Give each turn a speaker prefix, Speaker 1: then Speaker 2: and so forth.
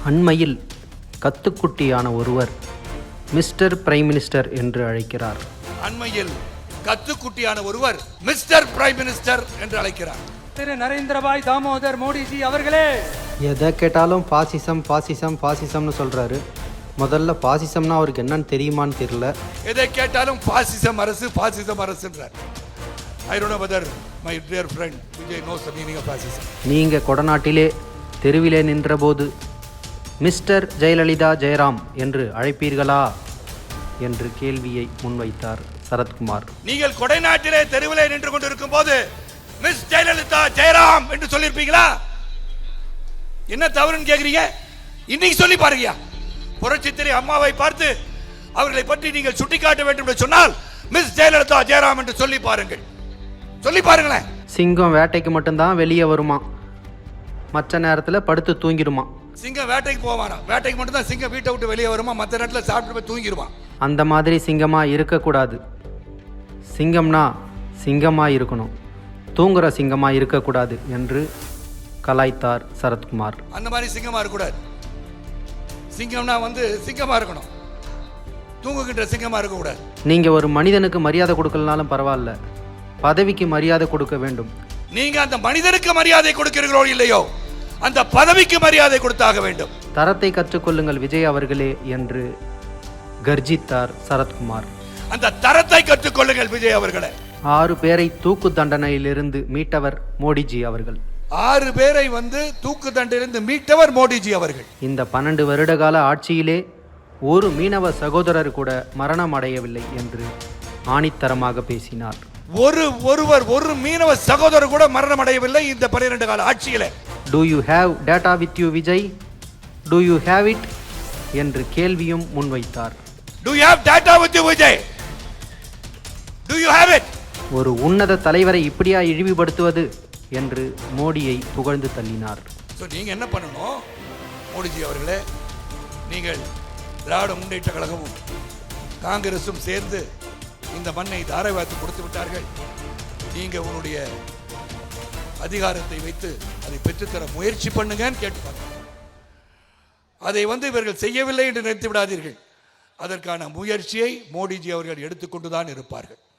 Speaker 1: அண்மையில் கத்துக்குட்டியான ஒருவர் mister prime minister என்று அழைக்கிறார்.
Speaker 2: அண்மையில் கத்துக்குட்டியான ஒருவர் மிஸ்டர் பிரைம் மினிஸ்டர் என்று அழைக்கிறார்.
Speaker 3: திரு நரேந்திரபாய் தாமோதர் மோடிஜி அவர்களே.
Speaker 1: எதை கேட்டாலும் பாசிசம் பாசிசம் பாசிசம்னு சொல்றாரு. முதல்ல பாசிசம்னா அவருக்கு என்னன்னு தெரியுமான்னு தெரியல.
Speaker 2: எதை கேட்டாலும் பாசிசம் அரசு பாசிசம் அரசுன்றார். I don't know whether my dear friend Vijay knows the meaning of fascism.
Speaker 1: நீங்க கொடநாட்டிலே தெருவிலே நின்றபோது மிஸ்டர் ஜெயலலிதா ஜெயராம் என்று அழைப்பீர்களா என்று கேள்வியை முன்வைத்தார் சரத்குமார்.
Speaker 2: நீங்கள் கொடைநாட்டிலே தெருவிலே நின்று கொண்டிருக்கும் போது மிஸ் ஜெயலலிதா ஜெயராம் என்று சொல்லியிருப்பீங்களா? என்ன தவறுன்னு கேக்குறீங்க? இன்னைக்கு சொல்லி பாருங்க. புரட்சித்திரை அம்மாவை பார்த்து அவர்களை பற்றி நீங்கள் சுட்டிக்காட்ட வேண்டும் என்று சொன்னால் மிஸ் ஜெயலலிதா ஜெயராம் என்று சொல்லி பாருங்கள். சொல்லி பாருங்களேன்.
Speaker 1: சிங்கம் வேட்டைக்கு மட்டும்தான் வெளியே வருமா, மற்ற நேரத்தில் படுத்து தூங்கிடுமா.
Speaker 2: சிங்கம் வேட்டைக்கு போவானா? வேட்டைக்கு மட்டும் தான் சிங்கம் வீட்டை விட்டு வெளியே வருமா, மற்ற நேரத்தில் சாப்பிட்டு போய் தூங்கிடுவான்.
Speaker 1: அந்த மாதிரி சிங்கமா இருக்கக்கூடாது. சிங்கம்னா சிங்கமா இருக்கணும், தூங்குற சிங்கமா இருக்கக்கூடாது என்று கலாய்த்தார் சரத்குமார்.
Speaker 2: அந்த மாதிரி சிங்கமா இருக்கக்கூடாது. சிங்கம்னா சிங்கமா இருக்கணும், தூங்குகின்ற சிங்கமா இருக்கக்கூடாது.
Speaker 1: நீங்க ஒரு மனிதனுக்கு மரியாதை கொடுக்கலனாலும் பரவாயில்ல, பதவிக்கு மரியாதை கொடுக்க வேண்டும்.
Speaker 2: நீங்க அந்த மனிதனுக்கு மரியாதை கொடுக்கிறீர்களோ இல்லையோ, அந்த பதவிக்கு மரியாதை கொடுத்தாக வேண்டும்.
Speaker 1: தரத்தை கற்றுக்கொள்ளுங்கள் விஜய் அவர்களே என்று கர்ஜித்தார் சரத்குமார்.
Speaker 2: அந்த தரத்தை கற்றுக்கொள்ளுங்கள் விஜய் அவர்களே.
Speaker 1: 6 பேரை தூக்கு தண்டனையிலிருந்து மீட்டவர் மோடிஜி அவர்கள்.
Speaker 2: 6 பேரை தூக்கு தண்டனையிலிருந்து மீட்டவர் மோடிஜி அவர்கள்.
Speaker 1: இந்த 12 வருட கால ஆட்சியிலே ஒரு மீனவ சகோதரர் கூட மரணம் அடையவில்லை என்று ஆணித்தரமாக பேசினார்.
Speaker 2: ஒரு மீனவ சகோதரர் கூட மரணம் அடையவில்லை இந்த 12 கால ஆட்சியிலே.
Speaker 1: Do you have data with you Vijay? Do you have it என்று கேள்வியும் முன்வைத்தார்.
Speaker 2: Do you have data with you Vijay? Do you have it?
Speaker 1: ஒரு உன்னத தலைவரை இப்படியா இழிவுபடுத்துவது என்று மோடியை புகழ்ந்து தள்ளினார்.
Speaker 2: நீங்க என்ன பண்ணணும் மோடிஜி அவர்களே? நீங்கள் திராவிட முன்னேற்ற கழகமும் காங்கிரசும் சேர்ந்து இந்த மண்ணை தாரை வார்த்து கொடுத்து விட்டார்கள். நீங்க உங்களுடைய அதிகாரத்தை வைத்து அதை பெற்றுத்தர முயற்சி பண்ணுங்கன்னு கேட்டுப்பாங்க. அதை இவர்கள் செய்யவில்லை என்று நினைத்து விடாதீர்கள். அதற்கான முயற்சியை மோடிஜி அவர்கள் எடுத்துக்கொண்டுதான் இருப்பார்கள்.